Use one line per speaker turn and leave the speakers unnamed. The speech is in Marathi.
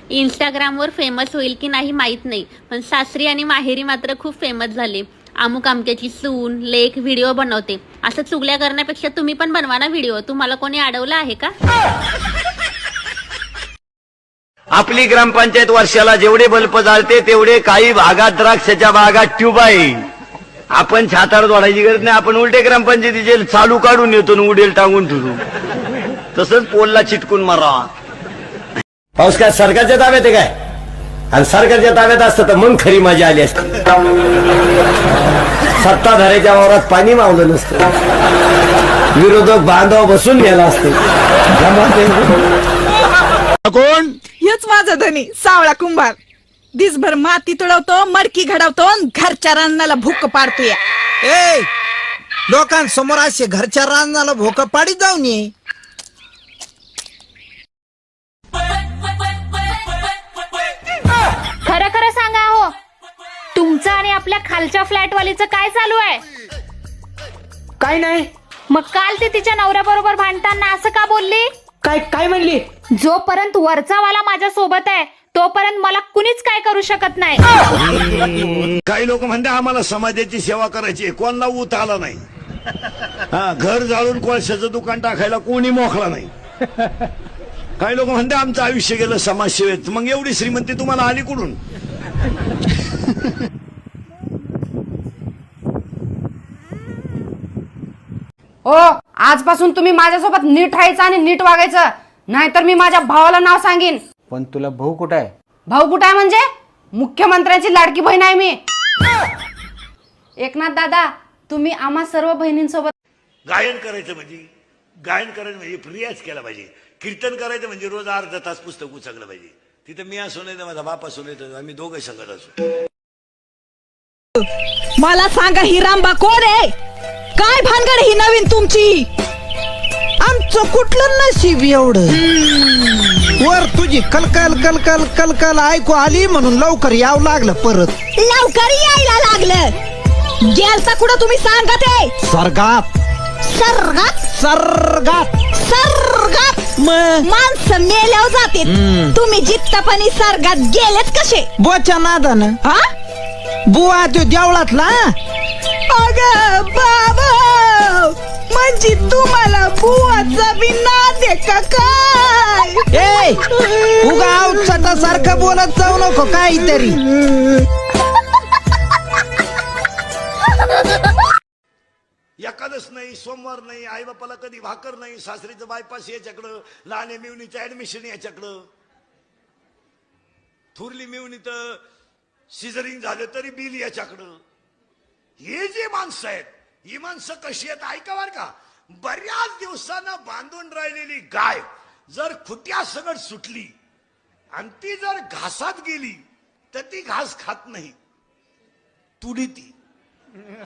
इंस्टाग्रामवर फेमस होईल की नाही माहीत नाही, पण सासरी आणि माहेरी मात्र खूप फेमस झाले. अमुक अमक्याची सून लेख व्हिडिओ बनवते. असं चुगल्या करण्यापेक्षा तुम्ही पण बनवा ना व्हिडिओ. तुम्हाला कोणी अडवलं आहे का?
आपली ग्रामपंचायत वर्षाला जेवढे बल्ब जाळते तेवढे काही भागात द्राक्षाच्या बागात ट्यूब आहे. आपण छातार जोडायची गरज नाही. आपण उलटे ग्रामपंचायतीचे चालू काढून येतो आणि उडेल टांगून ठेवू. तसंच पोलला चिटकून मारा. पाऊस काय सरकारच्या ताब्यात आहे काय? आणि सरकारच्या ताब्यात असतं तर मग खरी मजा आली असती. सत्ताधाऱ्याच्या वावरात पाणी मावलं नसतं. विरोधक बांधव बसून गेला असतो.
कोण?
हेच माझा धनी सावळा कुंभार. दिसभर माती तुडवतो, मडकी घडवतो, घरच्या रानाला भूक पाडतोय.
ए लोकांसमोर असे घरच्या रानाला भोक पाडीत जाऊन ये.
खरं खरं सांगा हो, तुमचं आणि आपल्या खालच्या फ्लॅटवालीचं काय चालू आहे?
काय नाही.
मग काल ती तिच्या नवऱ्याबरोबर भांडताना असं का बोलली?
काय काय म्हणली?
जोपर्यंत वरचा वाला माझ्या सोबत आहे तोपर्यंत मला कुणीच काय करू शकत नाही.
काही लोक म्हणते आम्हाला समाजाची सेवा करायची, कोणाला ऊत आला नाही. घर जाळून कोळशाचं दुकान टाकायला कोणी मोकळा नाही. काही लोक म्हणते आमचं आयुष्य गेलं समाजसेवेत. मग एवढी श्रीमंती तुम्हाला आली कुठून?
हो, आजपासून तुम्ही माझ्यासोबत नीट राहायचं आणि नीट वागायचं, नाहीतर मी माझ्या भावाला नाव सांगेन.
पण तुला भाऊ कुठं आहे?
भाऊ कुठं आहे म्हणजे? मुख्यमंत्र्यांची लाडकी बहीण आहे मी. एकनाथ दादा, तुम्ही आम्हा सर्व बहिणींसोबत
गायन करायचं म्हणजे रियाज केला पाहिजे. कीर्तन करायचं म्हणजे रोज अर्धा तास पुस्तक उचकलं पाहिजे. तिथं मी असो नाही तर माझा बाप असो नाही तर आम्ही दोघं संगत असो.
मला सांगा, ही रामबा कोण आहे? काय भानगड ही नवीन तुमची?
आमचं कुठलं नशीब एवढं? वर तुझी कलकल कलकल कलकल ऐकू आली म्हणून लवकर यावं लागलं. परत
लवकर यायला लागलं. गेलता कुठं तुम्ही सांगा ते?
स्वर्गात.
सर्गात
स्वर्गात.
सर्गात
मग
माणसं मेल्यावर जाते. तुम्ही जित्तपणी सर्गात गेलेत कसे?
बोच्या नादानं.
हा?
बुवा तो देवळातला.
अगं बाबा, म्हणजे तुम्हाला बुवाचा बी नाद आहे का काय?
ए उगा अवचटा सारखं बोलत जाऊ नको काहीतरी.
एकादश नाही, सोमवार नाही, आई बापाला कधी भाकर नाही, सासरीचं बायपास याच्याकडं, लहान मिवणीचं ऍडमिशन याच्याकडं, थुरली मिवणी तर सिझरिंग झालं तरी बिल याच्याकडं. हे जे माणसं आहेत, ही माणसं कशी आहेत ऐका बर का. बऱ्याच दिवसानं बांधून राहिलेली गाय जर खुट्या सगळं सुटली आणि ती जर घासात गेली तर ती घास खात नाही, तुडी ती.